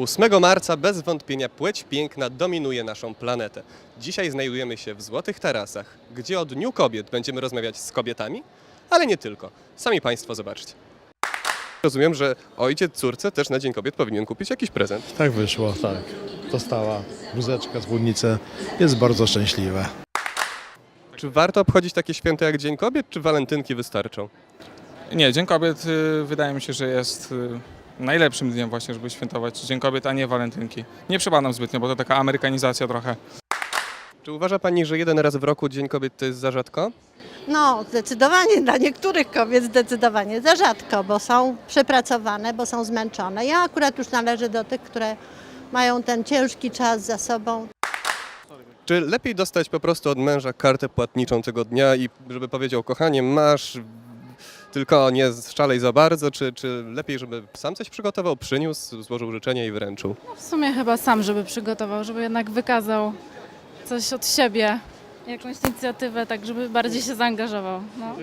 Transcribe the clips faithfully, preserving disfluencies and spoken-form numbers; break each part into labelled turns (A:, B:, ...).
A: ósmego marca bez wątpienia płeć piękna dominuje naszą planetę. Dzisiaj znajdujemy się w Złotych Tarasach, gdzie o Dniu Kobiet będziemy rozmawiać z kobietami, ale nie tylko. Sami Państwo zobaczcie. Rozumiem, że ojciec córce też na Dzień Kobiet powinien kupić jakiś prezent.
B: Tak wyszło, tak. Dostała wózeczka, spódnicę. Jest bardzo szczęśliwa.
A: Czy warto obchodzić takie święto jak Dzień Kobiet, czy walentynki wystarczą?
C: Nie, Dzień Kobiet y, wydaje mi się, że jest y, najlepszym dniem właśnie, żeby świętować Dzień Kobiet, a nie walentynki. Nie przebadam zbytnio, bo to taka amerykanizacja trochę.
A: Czy uważa Pani, że jeden raz w roku Dzień Kobiet to jest za rzadko?
D: No, zdecydowanie dla niektórych kobiet zdecydowanie za rzadko, bo są przepracowane, bo są zmęczone. Ja akurat już należę do tych, które mają ten ciężki czas za sobą.
A: Czy lepiej dostać po prostu od męża kartę płatniczą tego dnia i żeby powiedział, kochanie, masz, tylko nie szalej za bardzo, czy, czy lepiej, żeby sam coś przygotował, przyniósł, złożył życzenia i wręczył?
E: W sumie chyba sam, żeby przygotował, żeby jednak wykazał coś od siebie, jakąś inicjatywę, tak żeby bardziej się zaangażował. No.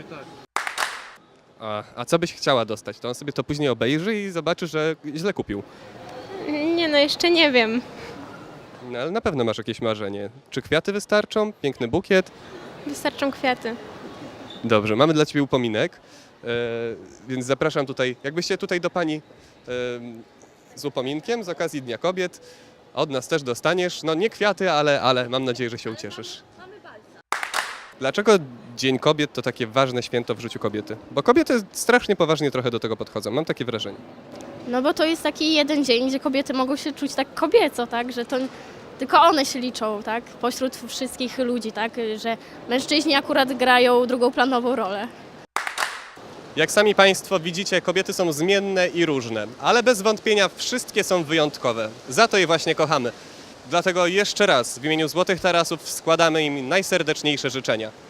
A: A, a co byś chciała dostać? To on sobie to później obejrzy i zobaczy, że źle kupił.
F: Nie no, jeszcze nie wiem.
A: No, ale na pewno masz jakieś marzenie. Czy kwiaty wystarczą? Piękny bukiet?
F: Wystarczą kwiaty.
A: Dobrze, mamy dla Ciebie upominek, e, więc zapraszam tutaj, jakbyście tutaj do Pani e, z upominkiem z okazji Dnia Kobiet. Od nas też dostaniesz, no nie kwiaty, ale, ale mam nadzieję, że się ucieszysz. Dlaczego Dzień Kobiet to takie ważne święto w życiu kobiety? Bo kobiety strasznie poważnie trochę do tego podchodzą, mam takie wrażenie.
F: No bo to jest taki jeden dzień, gdzie kobiety mogą się czuć tak kobieco, tak? Że to tylko one się liczą, tak? Pośród wszystkich ludzi, tak? Że mężczyźni akurat grają drugoplanową rolę.
A: Jak sami Państwo widzicie, kobiety są zmienne i różne, ale bez wątpienia wszystkie są wyjątkowe. Za to je właśnie kochamy. Dlatego jeszcze raz w imieniu Złotych Tarasów składamy im najserdeczniejsze życzenia.